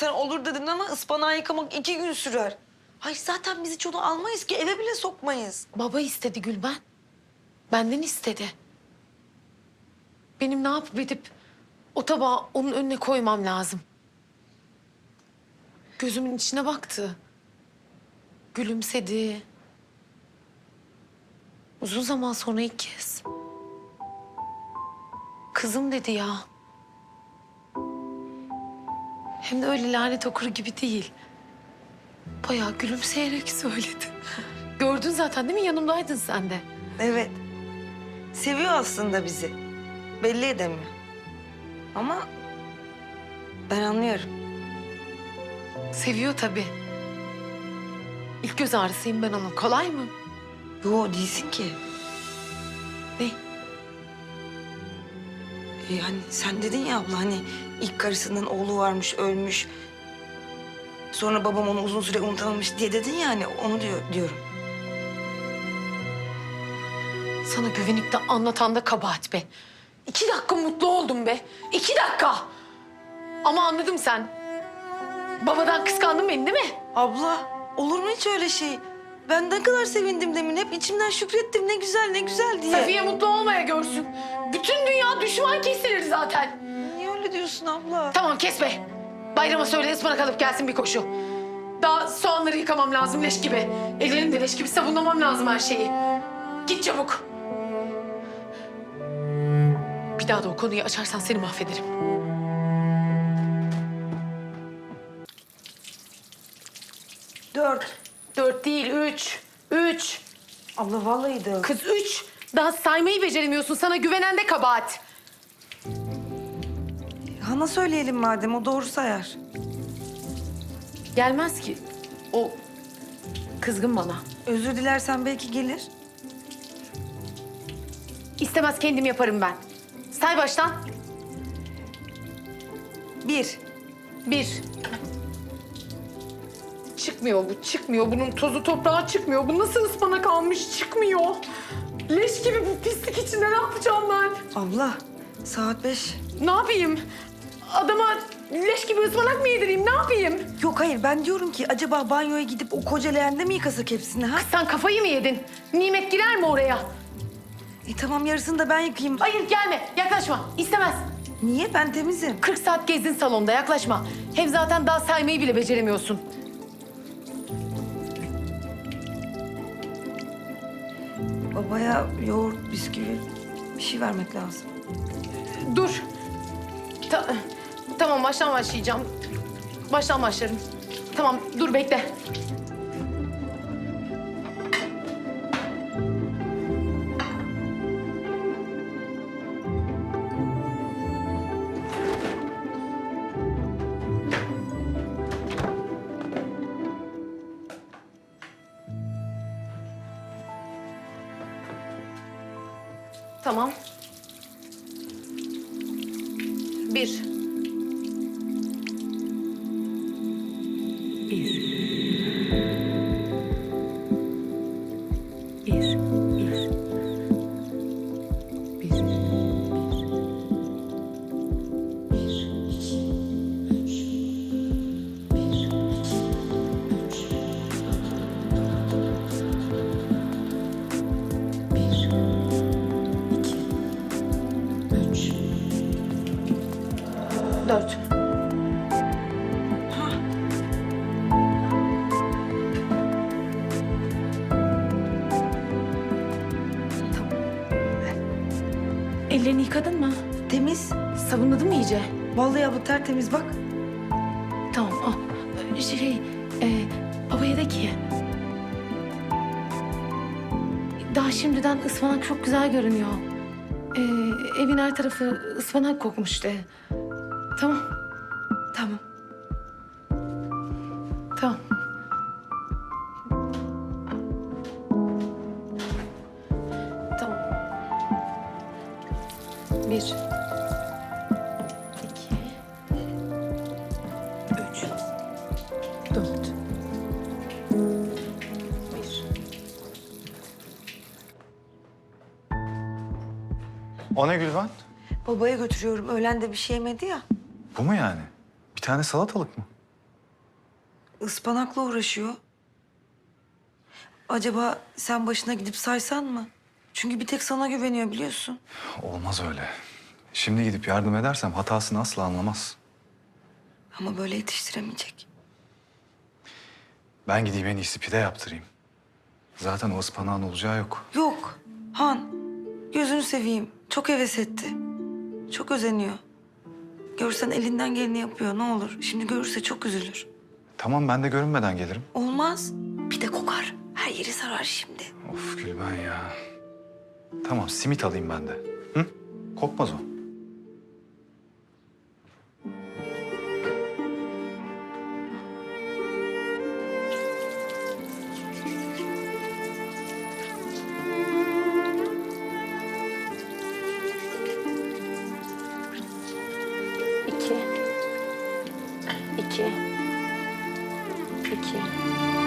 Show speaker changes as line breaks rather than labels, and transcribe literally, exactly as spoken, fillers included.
sen olur dedin ama ıspanağı yıkamak iki gün sürer. Hayır zaten biz hiç onu almayız ki eve bile sokmayız.
Baba istedi Gülben. Benden istedi. Benim ne yapıp edip o tabağı onun önüne koymam lazım. Gözümün içine baktı. Gülümsedi. Uzun zaman sonra ilk kez. Kızım dedi ya. Hem de öyle lanet okur gibi değil. Bayağı gülümseyerek söyledi. Gördün zaten değil mi? Yanımdaydın sen de.
Evet. Seviyor aslında bizi. Belli edemiyor. Ama ben anlıyorum.
Seviyor tabii. İlk göz ağrısıyım ben onun. Kolay mı?
Yo değilsin ki.
Ne?
Ee, hani sen dedin ya abla hani ilk karısının oğlu varmış ölmüş. Sonra babam onu uzun süre unutamamış diye dedin ya hani onu diyor, diyorum.
Sana güvenip de anlatan da kabahat be. İki dakika mutlu oldum be. İki dakika. Ama anladım sen. Babadan kıskandın beni değil mi?
Abla olur mu hiç öyle şey? Ben ne kadar sevindim demin. Hep içimden şükrettim. Ne güzel, ne güzel diye.
Safiye mutlu olmaya görsün. Bütün dünya düşman kesilir zaten.
Niye öyle diyorsun abla?
Tamam kes be. Bayrama söyle ıspanak alıp gelsin bir koşu. Daha soğanları yıkamam lazım leş gibi. Ellerim de leş gibi sabunlamam lazım her şeyi. Git çabuk. Bir daha da o konuyu açarsan seni mahvederim.
Dört.
Dört değil, üç. Üç.
Abla vallahi dört.
Kız üç. Daha saymayı beceremiyorsun. Sana güvenen de kabahat.
Hana söyleyelim madem. O doğru sayar.
Gelmez ki. O kızgın bana.
Özür dilersen belki gelir.
İstemez kendim yaparım ben. Say baştan.
Bir.
Bir. Çıkmıyor bu, çıkmıyor. Bunun tozu toprağı çıkmıyor. Bu nasıl ıspanak almış çıkmıyor. Leş gibi bu pislik içinde ne yapacağım ben?
Abla saat beş.
Ne yapayım? Adama leş gibi ıspanak mı yedireyim? Ne yapayım?
Yok hayır ben diyorum ki acaba banyoya gidip o koca leğende mi yıkasak hepsini ha?
Sen kafayı mı yedin? Nimet girer mi oraya?
E tamam yarısını da ben yıkayayım.
Hayır gelme, yaklaşma. İstemez.
Niye? Ben temizim.
kırk saat gezdin salonda, yaklaşma. Hem zaten daha saymayı bile beceremiyorsun.
Babaya yoğurt, bisküvi bir şey vermek lazım.
Dur. Ta- tamam, baştan başlayacağım. Baştan başlarım. Tamam, dur bekle. Tamam. Bir. Bir. Bir. Bir. Bir. Bir. Dört. Ellerini yıkadın mı?
Temiz.
Sabunladın mı iyice?
Vallahi abla tertemiz bak.
Tamam al. Şey, e, babaya de ki... Daha şimdiden ıspanak çok güzel görünüyor. E, evin her tarafı ıspanak kokmuş de. Tamam,
Tamam.
tamam. Tamam. Bir. İki. Üç. Dört. Bir.
O ne Gülben?
Babaya götürüyorum. Öğlen de bir şey yemedi ya.
Bu mu yani? Bir tane salatalık mı?
ıspanakla uğraşıyor. Acaba sen başına gidip saysan mı? Çünkü bir tek sana güveniyor biliyorsun.
Olmaz öyle. Şimdi gidip yardım edersem hatasını asla anlamaz.
Ama böyle yetiştiremeyecek.
Ben gideyim en iyisi pide yaptırayım. Zaten o ıspanağın olacağı yok.
Yok Han, gözünü seveyim. Çok heves etti. Çok özeniyor. Görsen elinden geleni yapıyor ne olur. Şimdi görürse çok üzülür.
Tamam, ben de görünmeden gelirim.
Olmaz. Bir de kokar. Her yeri sarar şimdi.
Of Gülben ya. Tamam, simit alayım ben de. Hı? Kokmaz o.
İki. İki. İki.